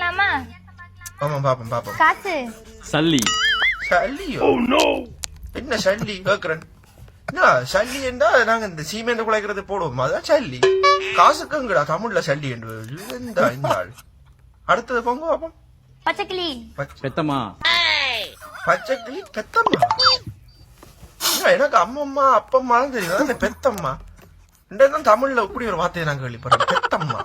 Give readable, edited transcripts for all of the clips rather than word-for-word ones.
பார்க்கலாமா? ஆமா பாப்போம் பாப்போம். காசு. சல்லி. சல்லியோ? என்ன சல்லி கேக்குறேன்? சல்லி என்றா நாங்க இந்த சீமெண்ட் குலைக்கிறது போடுவோம், அதான் சல்லி. காசுக்குங்கடா தமிழ்ல சல்லி என்று இந்த ஆள். அடுத்தது பொங்க பாப்போம். பச்சைக்கிளி. பெத்தம்மா. பச்சைக்கிளி பெத்தம்மா. எனக்கு அம்மம்மா அப்பம்மா தான் தெரியும், அந்த பெத்தம்மா தான் தமிழ்ல இப்படி ஒரு வார்த்தையை நாங்க கேள்விப்படுறோம், பெத்தம்மா.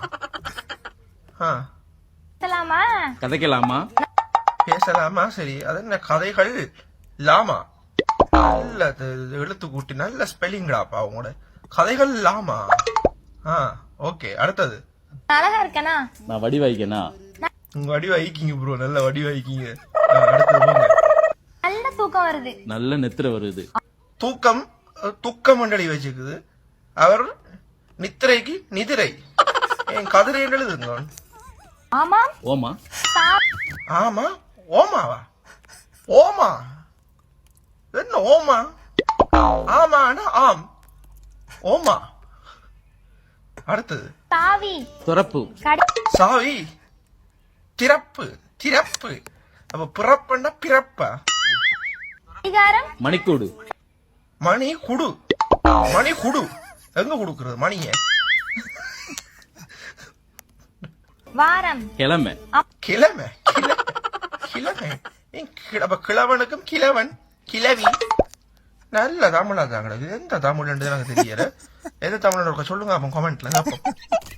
பேசலாமா? கதைக்கலாமா? பேசலாமா? சரி, அது என்ன கதைகள் லாமா? நல்ல எழுத்து கூட்டி நல்ல ஸ்பெல்லிங்டாப்பா அவங்களோட கதைகள் லாமா. ஓகே, அடுத்தது. அழகா இருக்கனா? நான் வடி வாய்க்கனா? உங்க வடி வாய்க்கிங்க ப்ரோ, நல்ல வடி வாய்க்கிங்க. அடுத்தது போங்க. நல்ல தூக்கம் வருது. நல்ல நெத்திர வருது. தூக்கம் துக்க மண்டலி வச்சுக்குது. அவர் நித்திரைக்கு நிதிரை. என் கதிரை என்று எழுதுங்க. ஆமா. ஓமா. ஆமா. ஓமாவா? ஓமா என்ன ஓமா? ஆமானா ஆம். ஓமா. அடுத்தது. தாவி. துறப்பு. சாவி. திறப்பு. திறப்பு. அப்ப பிறப்புன்னா பிறப்பா? அதிகாரம். மணிக்கூடு. மணி குடு. மணி குடு எங்க குடுக்குறது மணிய? வாரம். கிழமை. கிழமை. கிழமை. அப்ப கிழவனுக்கும் கிழவன் கிழவி. நல்ல தமிழா தாங்க. எந்த தமிழ் எனக்கு தெரியல. எந்த தமிழ் சொல்லுங்க அப்ப கமெண்ட்ல.